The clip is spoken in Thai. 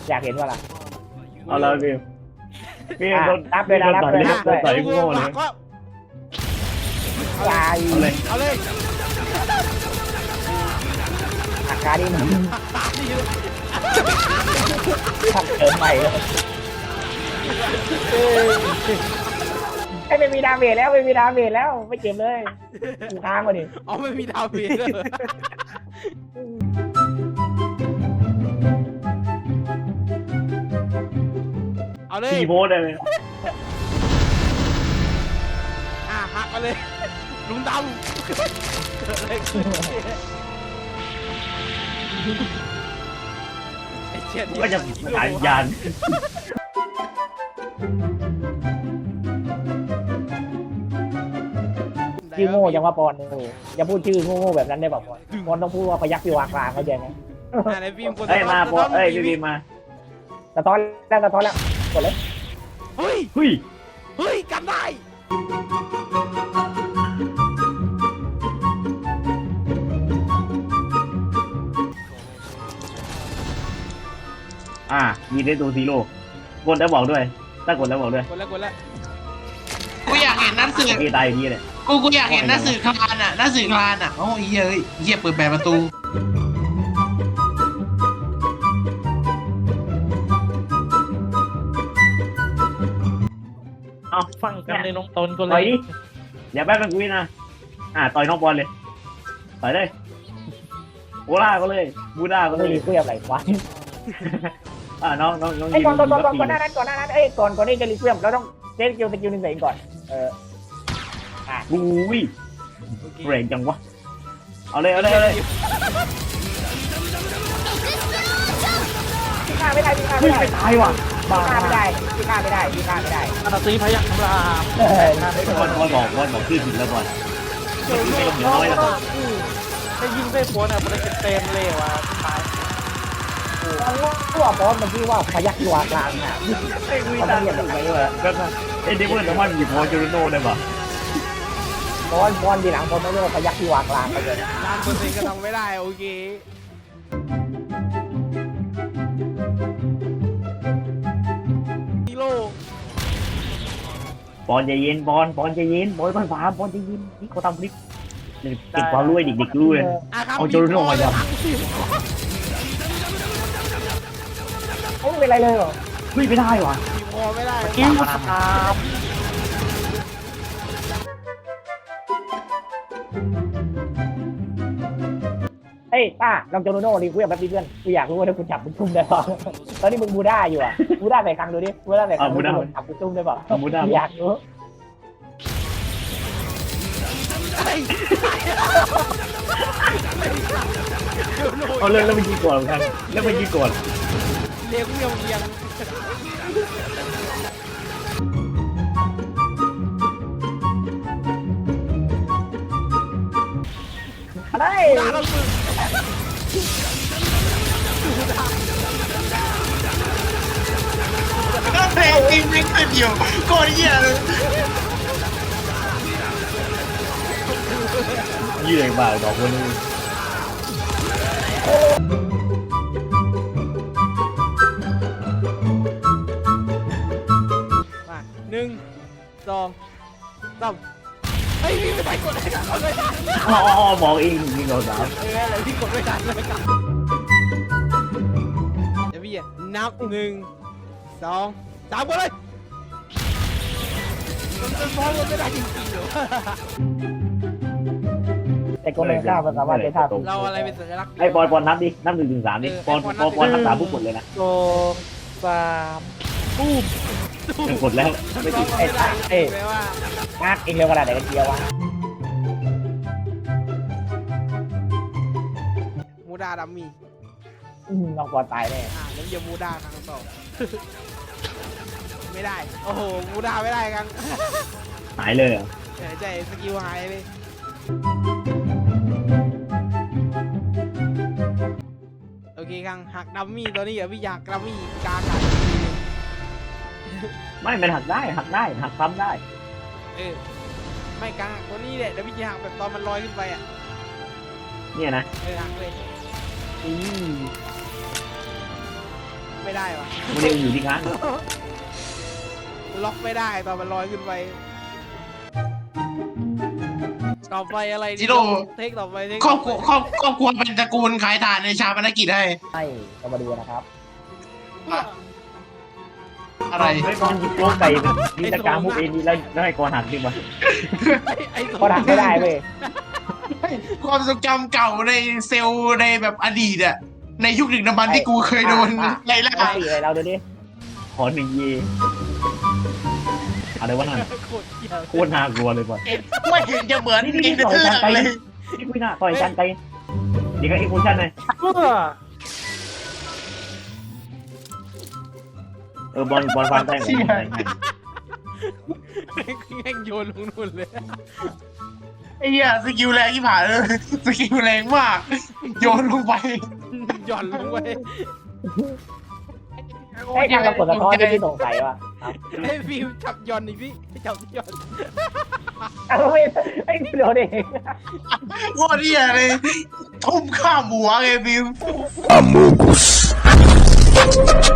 อยากเห็นว่าล่ะเอาเลยพี่โดนนับเลยนะนับเลยนับเลยใส่โง่เลยตายเอาเลยเอาเลยอาการนี่มันทำเกินไปเลยไม่มีดาเมจแล้วไม่มีดาเมจแล้วไม่เจ็บเลยกูค้างมาดิอ๋อไม่มีดาวเบียร์เอาเลยตีโพสเลยหักเอาเลยลุงดำเกิดอะไรขึ้นไอ้เจ็ดก็จะสายยานชื่อโง่ยังว่าปอนอย่าพูดชื่อโง่ๆแบบนั้นได้ป่ะปอนปอนต้องพูดว่าพยักพิวากลางเข้าใจไหมในฟิล์มคนเอ้ยมาโพสเอ้ยพี่มาสะท้อนแล้วสะท้อนแล้วกดเลยเฮ้ยเฮ้ยเฮ้ยกันได้มีได้ตัวซีโร่กดแล้วบอกด้วยถ้ากดแล้วบอกด้วยกดแล้วกูอยากเห็นหนังสือพี่ตายอย่างนี้เลยกูอยากเห็นหนังสือคลานอ่ะหนังสือคลานอ่ะโอ้ยเฮ้ยเหี้ยเปิดแบบประตูเอาฟังกันในน้องตนก็เลต่อยยดิเดี๋ยวแป๊บนึงกูนะต่อยน้องบอลเลยต่อยเลยโอล่าก็เลยบูด้าก็เลไม่ยรีเควอะไรวะน้องไอ้ยิงก่อนหยิงน้านั้นก่อนหน้านั้นเอ้ยก่อนที่จะรีเควเราต้องเซตสกิลหนึ่งใส่ก่อนอุ้ยโอเคเร่งจังวะเอาเลยพี่ฆ่าไม่ได้พี่ฆ่าเฮ้ไม่ยได้ไม่ตายว่ะพี่ฆ่าไม่ได้พี่ฆ่าไม่ได้พี่ฆ่าไม่ได้อาตีพยักคำรามบอลบอกชื่อผิดแล้วบอลไม่ต้องน้อยแล้วให้ยิงได้ผลอ่ะมันจะเต็มเลยว่ะตายตัวบอสมันชื่อว่าพยักตัวกลางน่ะไม่มีทางจะไปเลยก็เอ็นดิเวอร์น้ำมันหยิบพอจูโน่ได้ป่ะบอลทีหลังผมไม่เรียกว่าพยักตัวกลางไปเลย 1,000%ก็ทำไม่ได้โอเคฮีโร่บอลใจเย็นบอลใจเย็นบอลมันฟ้าบอลใจเย็นนี่เขาทำคลิปเก็บความรู้เด็กๆรู้เลยครับเอาโจโน่มาจับไม่เป็นไรเลยหรอเฮ้ยไม่ได้ว่ะบีบคอไม่ได้กิ้วตามเฮ้ยป้าลองโจโนโน่ดิกูอยากแบบนี้เพื่อนกูอยากรู้ว่าถ้าคุณจับมึงทุ่มได้ป่ะตอนนี้มึงบูด้าอยู่อ่ะบูด้าใส่ครั้งดูดิบูด้าใส่ครั้งดูจับมึงทุ่มได้ป่ะอยากรู้เอาเลยแล้วไปยิงก่อนกันแล้วไปยิงก่อนเลี้ยงเลี้ยงอะไรก็เพลงจริงไม่ขึ้นอยู่โคตรเหี้ยเลยยืดบ่าดอกคนนึงมา1 2 3เฮ้ยพี่ไม่ไปกดเลยกดไม่ทันบอกเองยิงเราสามอะไรพี่กดไม่ทันเลยครับเดี๋ยวพี่นับ1 2 3กดเลยมันเป็นบอลมันไม่ได้จริงๆเหรอแต่ก็ไม่กล้ามันสามารถใช้ท่าเราอะไรเป็นสัญลักษณ์ไอ้บอลนับดินับ1 ถึง 3ดิบอลนับ3ผู้กดเลยนะ 2 3ปุ๊บกดแล้วไม่ติดไม่ได้แปลว่างัดเองเร็วขนาดไหนกันเชียววะมูดาดัมมี่น้องบอลตายแน่แล้วจะมูดาครั้งต่อไม่ได้โอ้โหมูดาไม่ได้ครั้งหายเลยเหรอใจสกิลหายเลยโอเคครั้งหักดัมมี่ตัวนี้เดี๋ยวพี่อยากดัมมี่กลางหักไม่มันหักได้หักซ้ำได้ไม่กลางหักตัวนี้แหละเดี๋ยวพี่จะหักแบบตอนมันลอยขึ้นไปอ่ะเนี่ยนะหักเลยไม่ได้วะกูเรียกอยู่ที่ค้างล็อกไม่ได้ตอนมันลอยขึ้นไปต่อไปอะไรดีจิโร่เทคต่อไปเทคครอบครัวครอบครัวเป็นตระกูลขายถ่านในชาปนกิจให้ให้ก็มาดูนะครับอะไรไม่ก่อนยิงโป๊กไปยิงตะการมุกเอ็นนี่แล้วให้ก่อนหักจริงปะไอ้ก็ทำไม่ได้เว้ยความทรงจำเก่าในเซลล์ในแบบอดีตอะในยุคดึกดำบรรพ์ที่กูเคยโดนไล่ล่าได้เลยเราดูดิขอหนึ่งเยอะไรวะนั่นโคตรเหี้ยโคตรน่ากลัวเลยว่ะไม่เห็นจะเหมือนนี่เองต่เทือยอชันไปเลยนี่คุยหน้าต่อยชันไปเดี๋ยวก็อีกคนชันเลยบอลฟังได้ไหมแม่งโยนลงนู่นเลยไอ้เหี้ยสกิลแรงที่ผ่านเลยสกิลแรงมากโยนลงไปหย่อนลงไปให้ทางเรากดสะท้อนที่พี่สงสัยว่ะครับไอ้ฟิวจับหย่อนอีกพี่จับหย่อนเอาไม่ไอ้เดี๋ยวดิโคตรเหี้ยเลยทุ่มข้ามหัวไงบิว Amogus.